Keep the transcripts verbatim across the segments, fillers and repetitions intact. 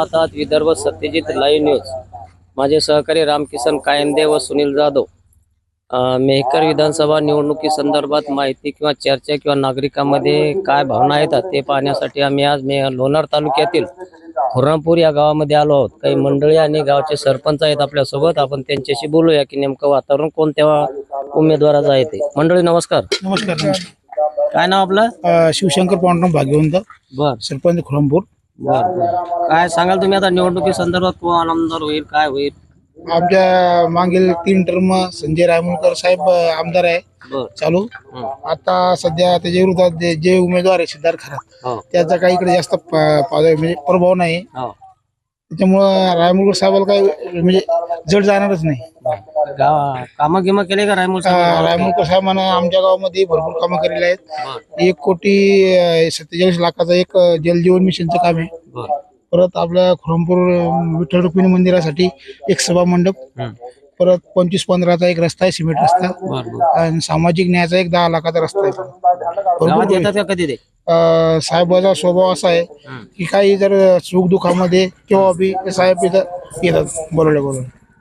पाहतात Vidarbha Satyajit live news. माझे सहकारी रामकिसन कायंदे व सुनील जाधव मेहकर विधानसभा निवडणुकी संदर्भात माहिती किंवा चर्चा किंवा नागरिकांमध्ये काय भावना येतात ते पाहण्यासाठी आम्ही आज मे लोणार तालुक्यातील खुर्रामपूर या गावामध्ये आलो आहोत। काही मंडळी आणि गावचे सरपंच आहेत आपल्यासोबत, आपण त्यांच्याशी बोलूया की नेमकं वातावरण कोणत्या उमेदवाराचं आहे ते। मंडळी नमस्कार। नमस्कार नमस्कार काय नाव आपलं? अ, शिवशंकर पांडुरंग भाग्यवंत, बर सरपंच खुर्रामपूर। बर बर काय सांगाल तुम्ही आता निवडणुकी संदर्भात कोण आमदार होईल, काय होईल? आमच्या मागील तीन टर्म संजय रायमुलकर साहेब अ, आमदार आहे बर चालू। हं. आता सध्या त्याच्या विरोधात जे जे उमेदवार आहे सिद्धार्थ खरात, हो त्याचा काही इकडे जास्त प- प- म्हणजे प्रभाव नाही, हो त्याच्यामुळं रायमुलकर साहेबाला काही म्हणजे जड जाणारच नाही। गाव कामं गिमं केले का रायमूल अ, साहेब? रायमुलकर साहेबांना आमच्या गावामध्ये भरपूर कामं केलेली आहेत। बर एक कोटी अ, सत्तेचाळीस लाखाचं एक अ, जलजीवन मिशनचं काम आहे। बर परत आपल्या खुर्रामपूर अ, विठ्ठल रुक्मिणी मंदिरासाठी एक सभा मंडप, हं. परत पंचवीस पंधराचा एक रस्ता आहे, सिमेंट रस्ता, बर बर आणि सामाजिक न्यायाचा एक दहा लाखाचा रस्ता आहे। भरपूर गावात गोष्टी. येतात का कधी ते? अं, साहेबाचा स्वभाव असा आहे हं. की काही जर सुख दुःखामध्ये किंवा बी ते साहेब इथं येतात बोलवले बोलवले।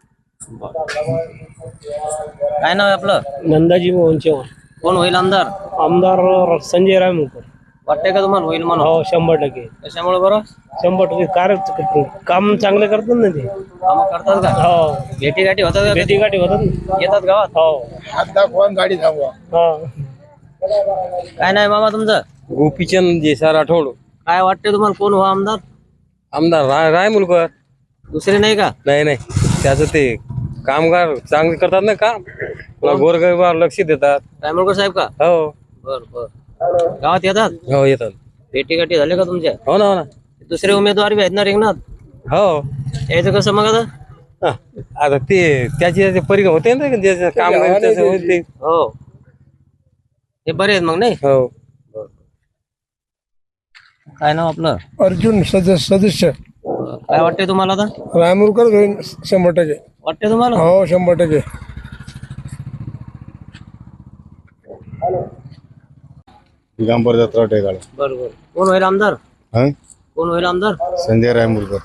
काय नाव आहे आपलं? नंदाजी मोहन चव्हाण। कोण होईल आमदार? आमदार संजय रायमुलकर। वाटतंय का तुम्हाला होईल म्हणून? हो शंभर टक्के कशामुळे बरं? शंभर टक्के कार्य काम चांगले करतात ना ते। कामं करतात का? हो भेटी गाठी होतात का? भेटी गाठी होतात ना। येतात गावात? हो हात दाखवा आणि गाडी थांबवा। हा काय नाही मामा तुमचं? गोपीचंद जेसा राठोड। काय वाटतंय तुम्हाला कोण हो आमदार? आमदार राय रायमुलकर। दुसरे नाही का? नाही नाही, त्याचं ते कामगार चांगले करतात ना काम, पुन्हा गोरगरिबावर लक्ष देतात। रायमुलकर साहेब का? हो बर बर गावात येतात? हो येतात। भेटी गाठी झाले का तुमच्या? हो ना हो ना दुसरे उमेदवार बी आहेत ना रिंगणात, हो। यायचं कसं मग आता? हा, आता ते त्याचे ते परिणाम होते ना, ज्याचं काम करेल त्याचं होईल ते। हो हे बरे आहेत मग नाही? हो काय नाव आपलं? अर्जुन सदस्य सदस्य काय वाटतंय तुम्हाला आता? रायमुलकर होईल शंभर टक्के। वाटतंय तुम्हाला? हो शंभर टक्के। दिगंबर जत्रा टेकाळे। बरं बरं कोण होईल आमदार? हं? कोण होईल आमदार? संजय रायमुलकर।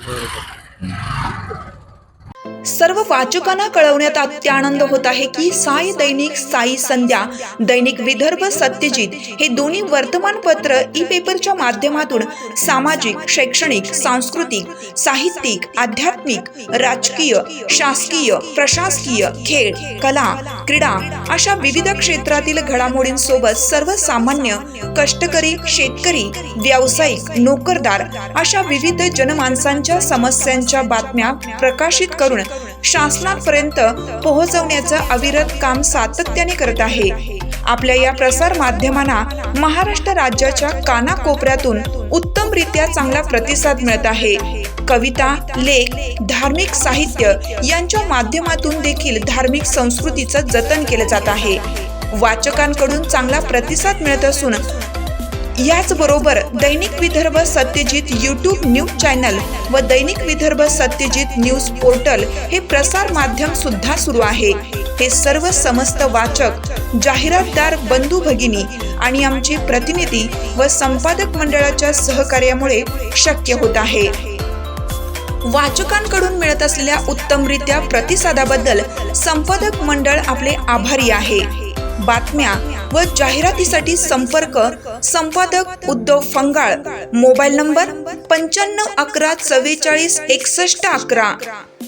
सर्व वाचकांना कळवण्यात अत्यानंद होत आहे की साई दैनिक, साई संध्या, दैनिक विदर्भ सत्यजित हे दोन्ही वर्तमानपत्र ई पेपरच्या माध्यमातून सामाजिक, शैक्षणिक, सांस्कृतिक, साहित्यिक, आध्यात्मिक, राजकीय, शासकीय, प्रशासकीय, खेळ, कला, क्रीडा अशा विविध क्षेत्रातील घडामोडींसोबत सर्वसामान्य, कष्टकरी, शेतकरी, व्यावसायिक, नोकरदार अशा विविध जनमानसांच्या समस्यांच्या बातम्या प्रकाशित करून शासनापर्यंत पोहोचवण्याचं अविरत काम सातत्याने करत आहे। आपल्या या प्रसार माध्यमांना महाराष्ट्र राज्याच्या कानाकोपऱ्यातून उत्तमरित्या चांगला प्रतिसाद मिळत आहे। कविता, लेख, धार्मिक साहित्य यांच्या माध्यमातून देखील धार्मिक संस्कृतीचं जतन केलं जात आहे। वाचकांकडून चांगला प्रतिसाद मिळत असून याचबरोबर दैनिक Vidarbha Satyajit YouTube news channel व दैनिक विदर्भ सत्यजित न्यूज पोर्टल हे प्रसार माध्यम सुद्धा सुरू आहे। हे सर्व समस्त वाचक, जाहिरातदार बंधू भगिनी आणि आमचे प्रतिनिधी व संपादक मंडळाच्या सहकार्यामुळे शक्य होत आहे। वाचकांकडून मिळत असलेल्या उत्तमरित्या प्रतिसादाबद्दल संपादक मंडळ आपले आभारी आहे। बातम्या व जाहिरातीसाठी संपर्क संपादक उद्धव फंगाळ, मोबाईल नंबर पंच्याण्णव अकरा चव्वेचाळीस एकसष्ट अकरा।